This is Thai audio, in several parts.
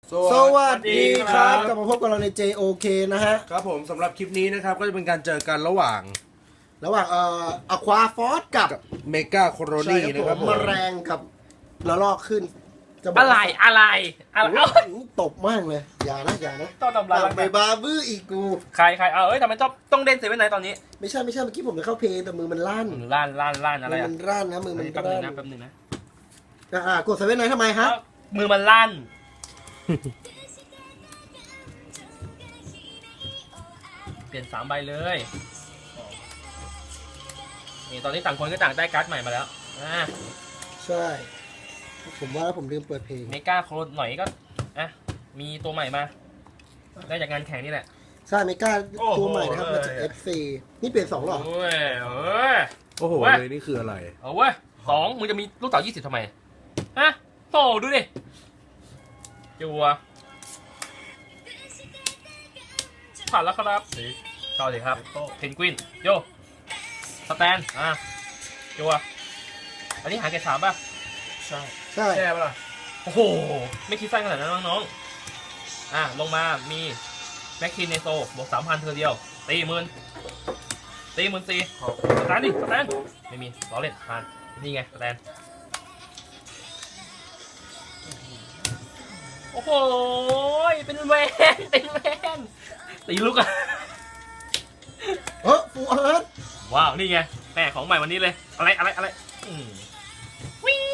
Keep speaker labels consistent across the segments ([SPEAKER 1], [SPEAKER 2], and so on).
[SPEAKER 1] สวัสดีครับกลับมาพบกับเราใน JOK นะฮะ
[SPEAKER 2] ครับผมสำหรับคลิปนี้นะครับก็จะเป็นการเจอกันระหว่าง
[SPEAKER 1] อควาฟอสกับ
[SPEAKER 2] เมกาโคโรนีนะครับผม
[SPEAKER 1] แมลงกับระลอกขึ้นจะบอก
[SPEAKER 3] อะไร
[SPEAKER 1] ตบมากเลยอย่านะ
[SPEAKER 3] ต้องทำร้าย
[SPEAKER 1] ไปบาบื้ออีกกู
[SPEAKER 3] ใครทำไมต้องเล่นเซเว่นไหนตอนนี้
[SPEAKER 1] ไม่ใช่เมื่อกี้ผมจะเข้าเพลงแต่มือมันลั่น
[SPEAKER 3] ล้านอะไร
[SPEAKER 1] มือมันลั่นนะมือมัน
[SPEAKER 3] แป๊บ
[SPEAKER 1] ลั่
[SPEAKER 3] นึ
[SPEAKER 1] น
[SPEAKER 3] งนะแป๊บนึงนะ
[SPEAKER 1] กดเซเว่นไหนทำไมฮะ
[SPEAKER 3] มือมันลั่นเปลี่ยน3 ใบเลยนี่ตอนนี้ต่างคนก็ต่างได้การ์ดใหม่มาแล้ว
[SPEAKER 1] ใช่ผมว่าผมลืมเปิดเพลง
[SPEAKER 3] เมกาโครหน่อยก็มีตัวใหม่มาได้จากงานแข่งนี่แหละ
[SPEAKER 1] ใช่เมกาตัวใหม่นะครับมาจาก FC นี่เปลี่ยน2หรอ
[SPEAKER 3] โอ้
[SPEAKER 2] โอ้โห
[SPEAKER 3] เว้ย
[SPEAKER 2] เลยนี่คืออะไร
[SPEAKER 3] เอาเว้ย2มึงจะมีลูกเต๋า20ทำไมโธ่ดูดิจัวผ่านแล้วครับเข้าสิครับเพนกวินโยสแตนจัวอันนี้หาเกรด3ป่ะ
[SPEAKER 1] ใช่
[SPEAKER 2] แช่ปะล่ะ
[SPEAKER 3] โอ้โหไม่คิดสั้นขนาดนั้นน้องๆลงมามีแม็กคินเนโซบวก 3,000 เธอเดียวตีหมื่นตีสแตนดิสแตนไม่มีล้อเล่นผ่านนี่ไงสแตนโอ้โหเป็นแวนตีลูกอะ
[SPEAKER 1] ฟูเอิร์ธ
[SPEAKER 3] ว้าวนี่ไงแม่ของใหม่วันนี้เลยอะไรวิ่ง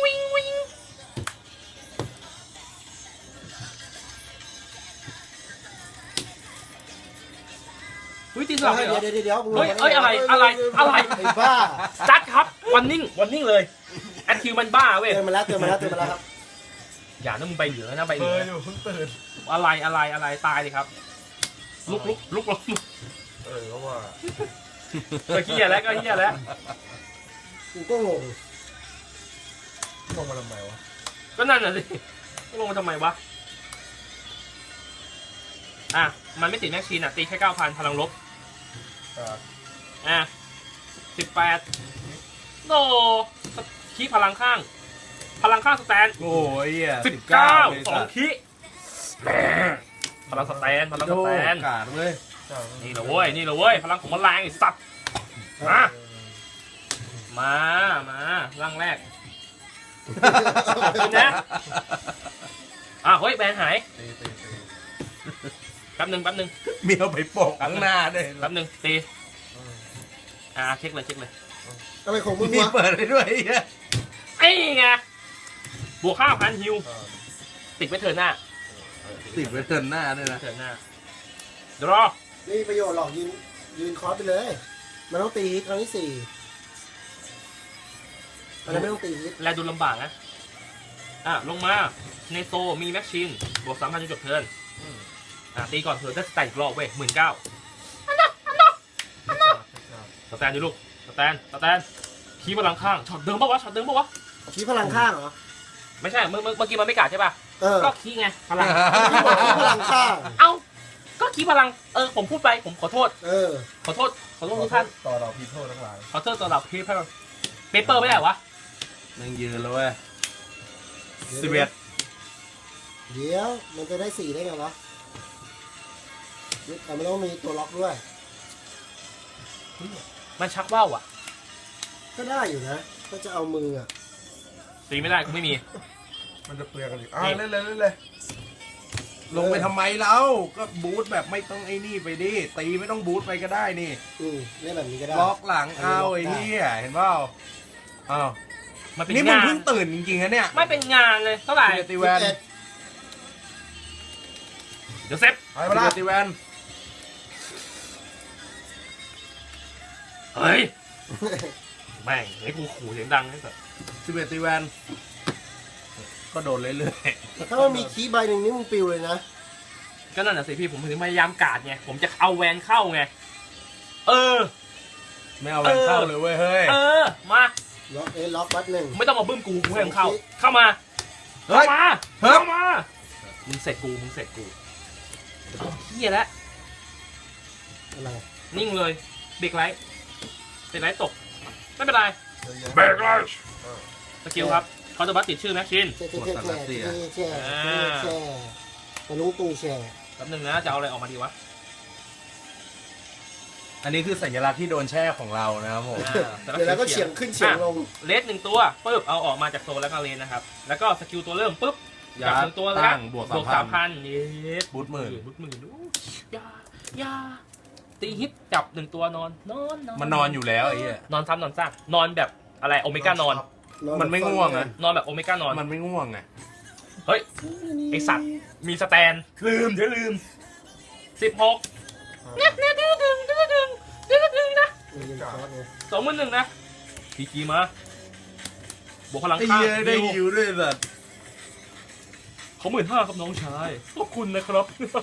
[SPEAKER 3] ตีสลับเลยเหรอ
[SPEAKER 1] เดี๋ยว
[SPEAKER 3] เฮ้ยอะไร
[SPEAKER 1] ไอ้บ้า
[SPEAKER 3] จัดครับวันนิ่งเลยแอดคิวมันบ้าเว้ย
[SPEAKER 1] เตือนมาแล้วครับ
[SPEAKER 3] อย่านะมึงใบเหลืองนะใบเหลือง
[SPEAKER 2] อยู่เพิ่งตื่น
[SPEAKER 3] อะไรตายดิครับลุก
[SPEAKER 2] ก็ว่า
[SPEAKER 3] ก็เฮียแล้ว
[SPEAKER 1] กูก็งง
[SPEAKER 2] ลงมาทำไมวะ
[SPEAKER 3] ก็นั่นน่ะสิลงมาทำไมวะมันไม่ติดแม็กชีนตีแค่ 9,000 พลังลบ18โนคีพลังข้างสแตน
[SPEAKER 2] โอ้ย
[SPEAKER 3] 19 2คีพลังสแตน
[SPEAKER 2] กาดเลย
[SPEAKER 3] นี่แหละเว้ยพลังของมันแรงไอ้สัตว์มาร่างแรกขอบคุณนะเฮ้ยแบนหายแป๊บนึง
[SPEAKER 2] เมียวไปโปกข้างหน้าด้วย
[SPEAKER 3] แป๊บนึงตีเช็คเลย
[SPEAKER 1] อะไรของมึง
[SPEAKER 2] มี
[SPEAKER 1] วะ
[SPEAKER 2] เปิดให้ด้วย
[SPEAKER 3] ไอ้ไงบวก 5,000 ฮิวติดไว้เทิร์นหน้า
[SPEAKER 2] ติดไว้เตือนหน้าด้วยนะ
[SPEAKER 3] เทิร์นหน้าดรอ
[SPEAKER 1] ไม่มีประโยชน์หรอกยืนคอร์สไปเลยมันต้องตีฮิตครั้งที่4อะไรไม่ต้องตีฮิต
[SPEAKER 3] แลดูลำบากนะลงมาในโซมีแม็กชินบวก 3,000 จนจบเทิร์นตีก่อนเทิร์นได้สแตนอีกรอบเว้ย 19,000สแตนอยู่ลูกสแตนคีพลังข้างช็อตเดิมปะวะ
[SPEAKER 1] ชี้พลังข้างเหรอ
[SPEAKER 3] ไม่ใช่เมื่อกี้มันไม่กัดใช่ป่ะก็คีไงพลัง
[SPEAKER 1] ที่บอกชี้พลังข้าง
[SPEAKER 3] ก็คีพลังผมพูดไปผมขอโทษขอโทษทุกท่าน
[SPEAKER 2] ต่อเราพีโทษทั้งหลาย
[SPEAKER 3] ขอโทษต่อเราเปเปอร์ไม่ได้วะ
[SPEAKER 2] นั่งยืนแล้วเว้ย
[SPEAKER 1] เดี๋ยวมันจะได้4ได้ไงวะแต่ไม่ต้องมีตัวล็อกด้วย
[SPEAKER 3] มันชักว่าวอ่ะ
[SPEAKER 1] ก็ได้อยู่นะก็จะเอามืออ่ะ
[SPEAKER 3] ตีไม่ได้กูไม่มี
[SPEAKER 2] มันจะเปลือกกันอีกเล่นเลยลงไปทำไมเราก็บูทแบบไม่ต้องไอ้นี่ไปดิตีไม่ต้องบูทไปก็ได้นี่
[SPEAKER 1] เล่นแบบนี้ก็ได้
[SPEAKER 2] ล็อกหลังเอาไอ้นี่เห็นเปล่า
[SPEAKER 3] มันเป็น
[SPEAKER 2] นี่มึง
[SPEAKER 3] งาน
[SPEAKER 2] เพิ่งตื่นจริงๆนะเนี่ย
[SPEAKER 3] ไม่เป็นงานเลยเท่าไหร่
[SPEAKER 2] ตีแวน
[SPEAKER 3] เดี๋ยวเซฟ
[SPEAKER 2] ไปมาตีแวน
[SPEAKER 3] เฮ้ยแม่งไอ้กูขู่เสียงดังนี่สิ
[SPEAKER 2] 11ตีแวนก็โดนเรื่อย
[SPEAKER 1] ถ้ามันมีคีย์ใบหนึ่งนี่มึงปิวเลยนะ
[SPEAKER 3] ก็นั่นน่ะสิพี่ผมถึงพยายามกาดไงผมจะเอาแวนเข้าไง
[SPEAKER 2] ไม่เอาแวนเข้าเลยเว้ยเฮ้ย
[SPEAKER 3] มา
[SPEAKER 1] ล็อกบัตหนึ่ง
[SPEAKER 3] ไม่ต้องมาบึ้มกูให้มึงเข้ามามึงเสร็จกูเฮียแล้ว
[SPEAKER 1] อะไร
[SPEAKER 3] นิ่งเลยเบรกไลท์ตกไม่เป็นไรเบรกไลท์สกิลครับเขาจะบัตติดชื่อแม็กชิน
[SPEAKER 1] ตะลุงตุงแช่
[SPEAKER 3] แป๊บนึงนะจะเอาอะไรออกมาดีวะ
[SPEAKER 2] อันนี้คือสัญลักษณ์ที่โดนแช่ของเรานะครับผม
[SPEAKER 1] เดี๋ยวแล้วก็เฉียงขึ้นเฉียงลง
[SPEAKER 3] เลส1ตัวปึ๊บเอาออกมาจากโซนแล้วก็เลนนะครับแล้วก็สกิลตัวเริ่มปึ๊บ
[SPEAKER 2] ยั
[SPEAKER 3] จับ
[SPEAKER 2] ด
[SPEAKER 3] หนึ่งตัว
[SPEAKER 2] ตั้
[SPEAKER 3] แล้ว
[SPEAKER 2] งบวก
[SPEAKER 3] บวก 3,000เยส
[SPEAKER 2] บูทหมื่น
[SPEAKER 3] บูทหมื่นยาตีฮิตจับ1ตัวนอน
[SPEAKER 2] มันนอนอยู่แล้วไอ้เหี้ย
[SPEAKER 3] นอนซ้ำนอนซากนอนแบบอะไรโอเมก้านอน
[SPEAKER 2] มันไม่ง่วงนะ
[SPEAKER 3] นอนแบบโอเมก้านอน
[SPEAKER 2] มันไม่ง่วงไง
[SPEAKER 3] เฮ้ยไอสัตว์มีสแตนลืม16เนี่ยดึงนะ
[SPEAKER 1] มีคอร์สไง
[SPEAKER 3] 21,000นะพีจีมาบวกพลัง
[SPEAKER 2] ไอ้
[SPEAKER 3] ข้าง
[SPEAKER 2] เหี้ยได้ฮิวด้วยสัตว์
[SPEAKER 3] เขา15,000ครับน้องชายขอบคุณนะครับ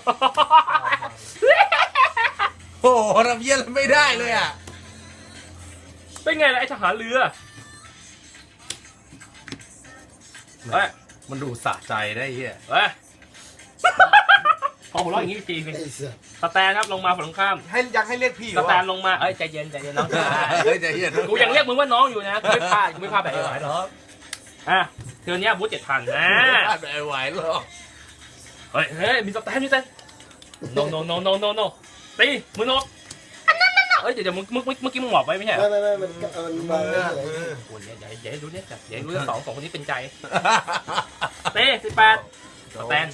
[SPEAKER 2] โอ้โหทำเหี้ยอะไรไม่ได้เลยอ่ะ
[SPEAKER 3] เป็นไงล่ะไอทหารเรือเฮ้ย
[SPEAKER 2] มันดูสะใจได้เหี้ย
[SPEAKER 3] เฮ้ยพอหัวเราะอย่างนี้จริง
[SPEAKER 1] ไอ้เสือ
[SPEAKER 3] สแตนครับลงมาฝั่งตรงข้าม
[SPEAKER 2] ให้ยังให้เรียกพี่
[SPEAKER 3] สแตนลงมาเอ้ยใจเย็นน้องชาย
[SPEAKER 2] เฮ้ยใจเย็น
[SPEAKER 3] กูยังเรียกมึงว่าน้องอยู่นะกูไม่พลาดแบบไอ้หวายหรอกอ่ะเทือนนี้บูธ7,000นะ
[SPEAKER 2] ไม่ไหวหรอก
[SPEAKER 3] เฮ้ยมีสแตนโนตีมือนกอันนั้นเอ้ยเดี๋ยวเมื่อกี้มึงหมอบไว้ไม่ใช่เหรอ
[SPEAKER 1] ไม่มันวางเฉย
[SPEAKER 3] โอ้ยอย่าให้รู้เนี่ยจัดอย่าให้รู้เรื่องสองคนนี้เป็นใจเต้18สแตน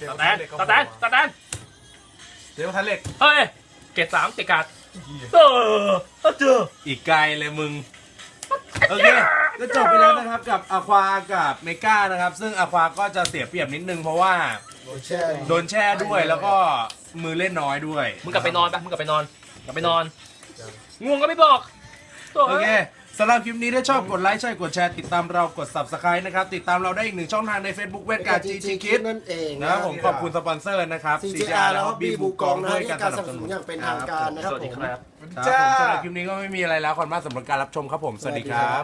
[SPEAKER 2] เดี๋ยวทันเหล็ก
[SPEAKER 3] เฮ้ยเกรด3เกรดการ์ดเจอ
[SPEAKER 2] อีกไกลเลยมึง โอเค ก็จบไปแล้วนะครับกับอควากับเมกานะครับ ซึ่งอควาก็จะเสียเปรียบนิดนึงเพราะว่า
[SPEAKER 1] โดนแช่
[SPEAKER 2] โดนแช่ด้วยแล้วก็มือเล่นน้อยด้วย
[SPEAKER 3] มึงกลับไปนอนปะง่วงก็ไม่บอก
[SPEAKER 2] โอเคสำหรับคลิปนี้ถ้าชอบกดไลค์ใช่กดแชร์ติดตามเรากด Subscribe นะครับ ติดตามเราได้อีกหนึ่งช่องทางใน Facebook เวทการ์ด GG Kids
[SPEAKER 1] นั่นเอง
[SPEAKER 2] นะครับผมขอบคุณสปอนเซอร์นะครับ
[SPEAKER 1] CJR แล้วก็
[SPEAKER 2] บี
[SPEAKER 1] บี
[SPEAKER 2] บู
[SPEAKER 1] บู
[SPEAKER 2] ก
[SPEAKER 1] ก
[SPEAKER 2] อ
[SPEAKER 1] อง ง
[SPEAKER 2] ด้
[SPEAKER 1] นะ
[SPEAKER 2] วย
[SPEAKER 1] ที่
[SPEAKER 2] การ
[SPEAKER 1] การ
[SPEAKER 2] ส
[SPEAKER 1] ส
[SPEAKER 2] นั
[SPEAKER 1] นั
[SPEAKER 2] บบ ส
[SPEAKER 1] ส
[SPEAKER 2] นุ
[SPEAKER 1] นุ
[SPEAKER 2] น
[SPEAKER 1] นอย่างเป็นทางการนะครับ
[SPEAKER 3] สวัส
[SPEAKER 1] ผ
[SPEAKER 3] ดี
[SPEAKER 1] ม
[SPEAKER 3] ครับ
[SPEAKER 2] ครับผมสำหรับคลิปนี้ก็ไม่มีอะไรแล้วขอบคุณมากสำหรับการรับชมครับผมสวัสดีครับ